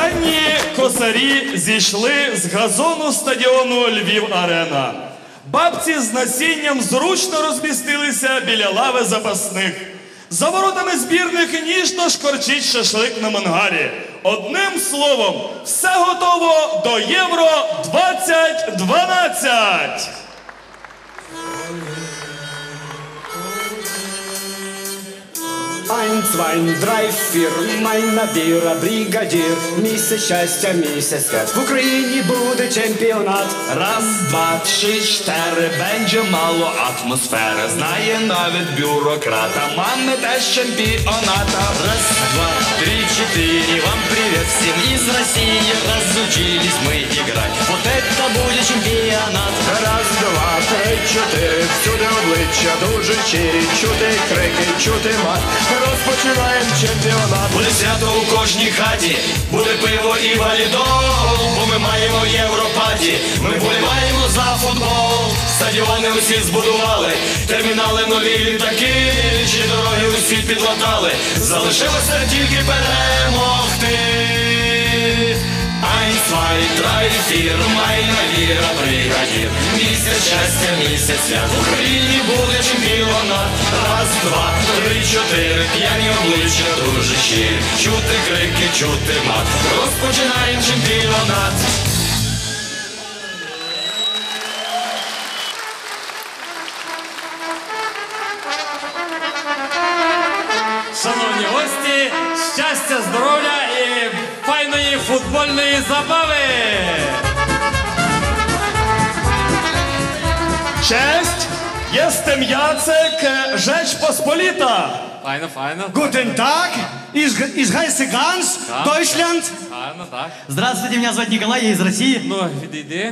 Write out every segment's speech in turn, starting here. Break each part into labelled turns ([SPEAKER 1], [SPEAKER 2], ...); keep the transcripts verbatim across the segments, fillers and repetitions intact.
[SPEAKER 1] Численні косарі зійшли з газону стадіону Львів-Арена. Бабці з насінням зручно розмістилися біля лави запасних. За воротами збірних ніжно шкорчить шашлик на мангарі. Одним словом, все готово до Євро двадцять дванадцять!
[SPEAKER 2] Ein, zwei, drei, vier, майна віра, бригадір. Місяць щастя, місяць свят. В Україні буде чемпіонат.
[SPEAKER 3] Раз, два, три, чотири, będzie мало атмосфери. Знає навіть бюрократа, мами теж чемпіоната. Раз, два, три, четыре, вам привет всем из России. Разучились мы играть, вот это будет чемпіонат.
[SPEAKER 2] Раз, два, три, чотири, всюди обличчя дуже щирі. Чути крики, чути мат. Розпочинаємо чемпіонат.
[SPEAKER 3] Буде свято у кожній хаті, буде пиво і валідол, бо ми маємо Європаді, ми вболіваємо за футбол. Стадіони усі збудували, термінали нові літаки, чи дороги усі підлатали, залишилося тільки перемогти. Ein, zwei, drei, vier, майна віра, бригадір. Місяць щастя, місяць свят. В Україні буде чемпіонат. Раз, два, три, чотири, п'яні обличчя дуже щирі. Чути крики, чути мат. Розпочинаємо чемпіонат.
[SPEAKER 4] Шановні гості, щастя, здоров'я і файної футбольної забави!
[SPEAKER 1] Cześć, jestem Jacek, Rzecz Pospolita.
[SPEAKER 4] Файно, файно.
[SPEAKER 2] Guten Tag, из heiße Gans, Deutschland.
[SPEAKER 4] Файно, так.
[SPEAKER 5] Здравствуйте, меня зовут Николай, я из России.
[SPEAKER 4] Ну, відійди.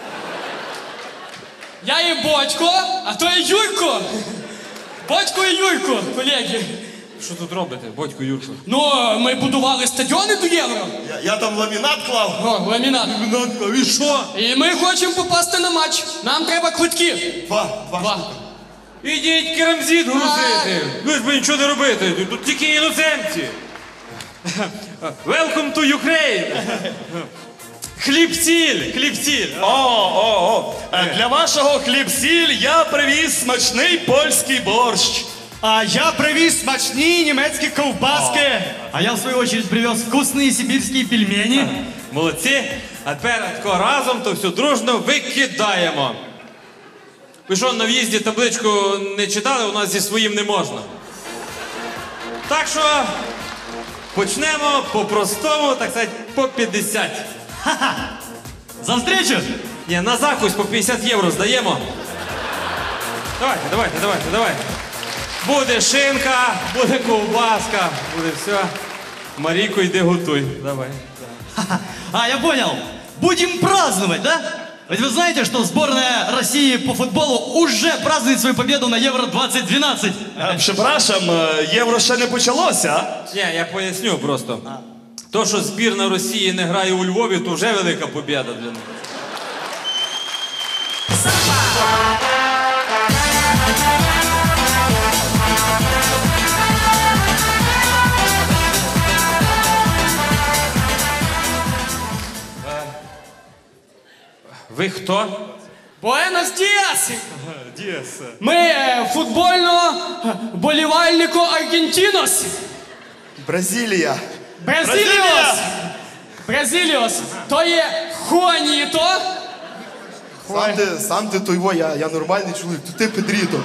[SPEAKER 6] Я є Бодько, а то є Юрко. Бодько і Юрко, колеги.
[SPEAKER 4] Що тут робите, Бодько, Юрко?
[SPEAKER 6] Ну, ми будували стадіони до Євро.
[SPEAKER 1] Я, я там ламінат клав.
[SPEAKER 6] О, ламінат.
[SPEAKER 1] Ламінат клав, і що?
[SPEAKER 6] І ми хочемо попасти на матч. Нам треба квитки.
[SPEAKER 1] Два, два.
[SPEAKER 6] Два.
[SPEAKER 4] Ідіть керамзит грузити. Ви ж би нічого не робити, тут тільки іноземці. Welcome to Ukraine. Хліб-сіль, хліб-сіль.
[SPEAKER 1] О, о, о. Е, Для вашого хліб-сіль я привіз смачний польський борщ.
[SPEAKER 2] А я привіз смачні німецькі ковбаски.
[SPEAKER 5] А я, в свою очередь, привез вкусные сибирские пельмени.
[SPEAKER 4] Молодці. А тепер тако разом то все дружно викидаємо. Ви що, на в'їзді табличку не читали? У нас зі своїм не можна. Так що почнемо по-простому, так сказати, по п'ятдесят.
[SPEAKER 5] За встречу!
[SPEAKER 4] Ні, на закусь по п'ятдесят євро здаємо. Давайте, давайте, давайте, давайте. Буде шинка, буде ковбаска, буде все. Марійко, йди готуй. Давай.
[SPEAKER 5] А, я понял. Будем праздновать, да? Ведь вы знаете, что сборная России по футболу уже празднует свою победу на Евро двадцать двенадцать.
[SPEAKER 1] Е, Прzepraszam, е, євро ще не почалося.
[SPEAKER 4] Ні, я поясню просто. То, що збірна Росії не грає у Львові, то вже велика побіда для них. Ви хто?
[SPEAKER 6] Буенос діас!
[SPEAKER 1] Діас.
[SPEAKER 6] Ми е, футбольно болівальнико Аргентінос.
[SPEAKER 1] Бразилія.
[SPEAKER 6] Бразиліос! Бразиліос! То є Хуаніто.
[SPEAKER 7] Сам ти, сам ти той во, я, я нормальний чоловік, то ти Педріто.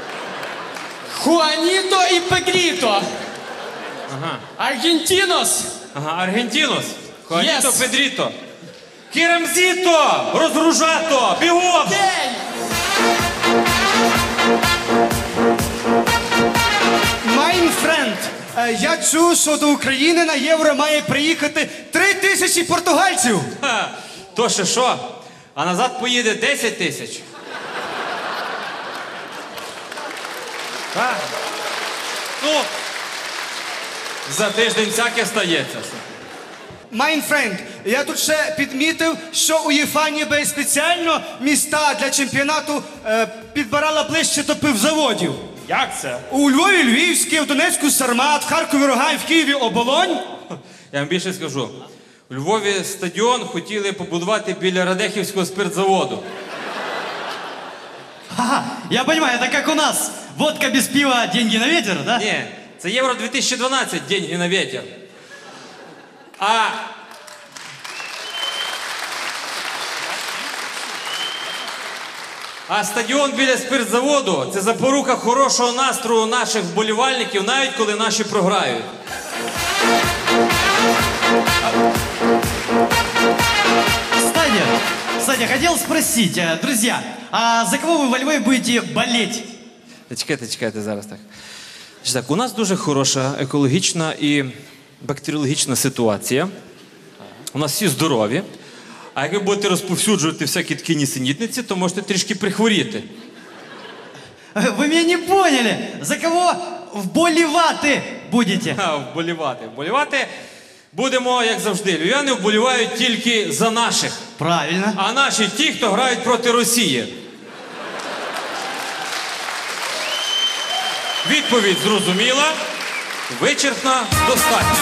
[SPEAKER 6] Хуаніто і Пегріто.
[SPEAKER 4] Ага.
[SPEAKER 6] Аргентінос.
[SPEAKER 4] Ага, Аргентінос. Хуаніто,
[SPEAKER 6] Yes.
[SPEAKER 4] Педріто. Керамзіто! Розгружато! Бігом!
[SPEAKER 6] День!
[SPEAKER 2] Mein friend, е, я чув, що до України на євро має приїхати три тисячі португальців.
[SPEAKER 4] Ха, то ще що? А назад поїде десять тисяч. Так. Ну, за тиждень всяке стається.
[SPEAKER 2] Mein friend, я тут ще підмітив, що УЄФА ніби спеціально міста для чемпіонату е, підбирала ближче до пивзаводів.
[SPEAKER 1] Як це?
[SPEAKER 2] У Львові Львівський, в Донецьку Сармат, в Харкові Рогай, в Києві Оболонь.
[SPEAKER 4] Я вам більше скажу. У Львові стадіон хотіли побудувати біля Радехівського спиртзаводу.
[SPEAKER 5] Ага, я понимаю, это как у нас. Водка без пива, деньги на ветер, да?
[SPEAKER 4] Ні, це Євро дві тисячі дванадцять, деньги на ветер. А... А стадіон біля спиртзаводу – це запорука хорошого настрою наших вболівальників, навіть коли наші програють.
[SPEAKER 5] Кстати, кстати, хотел спросить, э, друзья, а за кого вы во Львове будете болеть?
[SPEAKER 4] Чекайте, чекайте, зараз так. Значить так, у нас дуже хороша екологічна і бактеріологічна ситуація. У нас всі здорові. А як ви будете розповсюджувати всякі такі нісенітниці, то можете трішки прихворіти.
[SPEAKER 5] Э, Вы меня не поняли. За кого вболеваты будете?
[SPEAKER 4] А, вболівати. Вболівати будемо, як завжди. Львів'яни вболівають тільки за наших.
[SPEAKER 5] Правильно.
[SPEAKER 4] А наші ті, хто грають проти Росії. Відповідь зрозуміла, вичерпна, достатньо.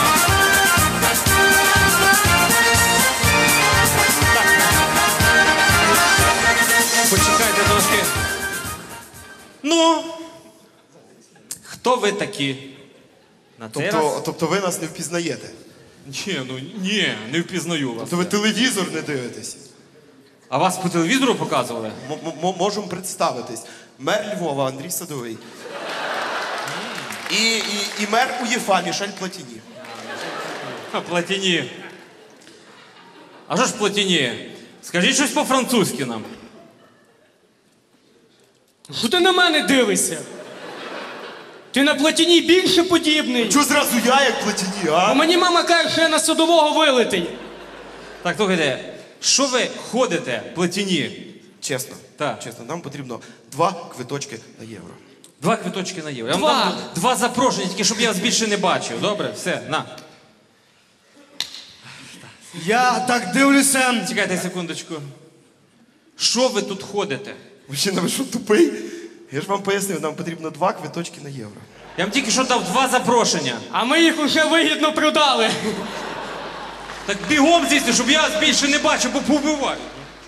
[SPEAKER 4] Почекайте трошки. Ну, хто ви такі? На цей раз?
[SPEAKER 7] Тобто, тобто ви нас не впізнаєте?
[SPEAKER 4] Ні, ну ні, не впізнаю вас.
[SPEAKER 7] Тобто ви телевізор не дивитесь?
[SPEAKER 4] А вас по телевізору показували?
[SPEAKER 7] М- м- можемо представитись. Мер Львова Андрій Садовий. І, і, і мер УЄФА Мішель Платіні.
[SPEAKER 4] А, Платіні. А що ж Платіні? Скажіть щось по-французьки нам.
[SPEAKER 6] Що ти на мене дивишся? Ти на Платіні більше подібний.
[SPEAKER 7] Чого зразу я, як Платіні,
[SPEAKER 6] А
[SPEAKER 7] а?
[SPEAKER 6] мені мама каже, що я на садового вилитий.
[SPEAKER 4] Так, слухайте, що ви ходите, Платіні?
[SPEAKER 7] Чесно,
[SPEAKER 4] Так.
[SPEAKER 7] чесно, нам потрібно два квиточки на євро.
[SPEAKER 4] Два квиточки на євро. Я
[SPEAKER 6] Два.
[SPEAKER 4] вам дам два запрошення, тільки щоб я вас більше не бачив. Добре? Все, на.
[SPEAKER 2] Я так дивлюся.
[SPEAKER 4] Чекайте секундочку. Що ви тут ходите?
[SPEAKER 7] Мужчина, ви що, тупий? Я ж вам пояснив, нам потрібно два квиточки на євро.
[SPEAKER 4] Я вам тільки що дав два запрошення.
[SPEAKER 6] А ми їх уже вигідно продали.
[SPEAKER 4] Так бігом звісно, щоб я вас більше не бачив, бо повбиваю.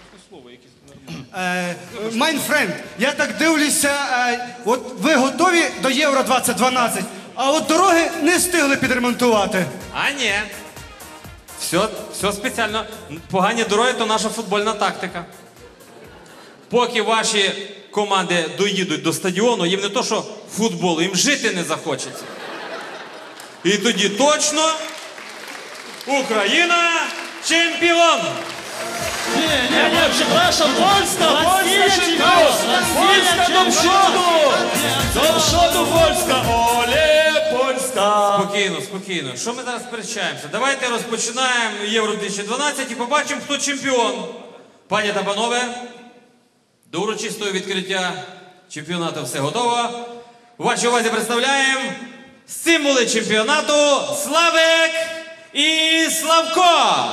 [SPEAKER 2] Е, Mein friend, я так дивлюся, е, от ви готові до Євро двадцять дванадцять, а от дороги не встигли підремонтувати.
[SPEAKER 4] А ні. Все, все спеціально. Погані дороги – то наша футбольна тактика. Поки ваші команди доїдуть до стадіону, їм не то, що футболу, їм жити не захочеться. І тоді точно Україна чемпіон!
[SPEAKER 3] Не-не-не, прzepraszam, Polska, Polska czempion! Polska do przodu! Do przodu Polska! Ole, Polska!
[SPEAKER 4] Спокійно, спокійно. Що ми зараз сперечаємося? Давайте розпочинаємо Євро дві тисячі дванадцять і побачимо, хто чемпіон. Пані та панове, до урочистого відкриття чемпіонату все готово. У вашій увазі представляємо символи чемпіонату Славик і Славко.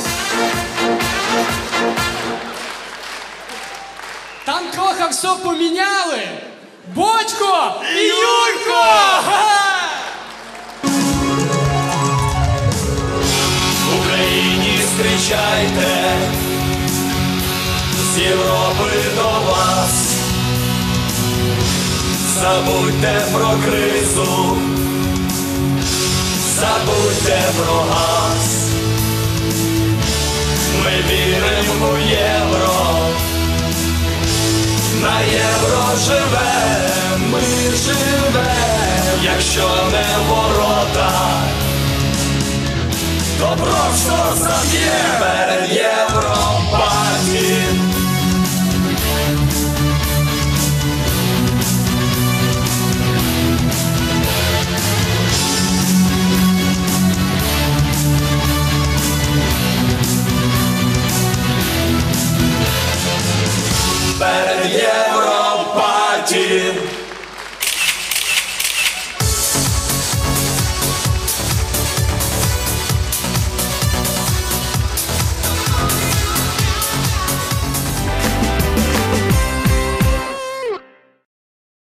[SPEAKER 6] Там трохи все поміняли. Бодько і Юрко! Га!
[SPEAKER 3] В Україні зустрічайте, з Європи до вас. Забудьте про кризу, забудьте про газ. Ми віримо в євро, на євро живем, ми живем, якщо не ворота, то просто заб'є.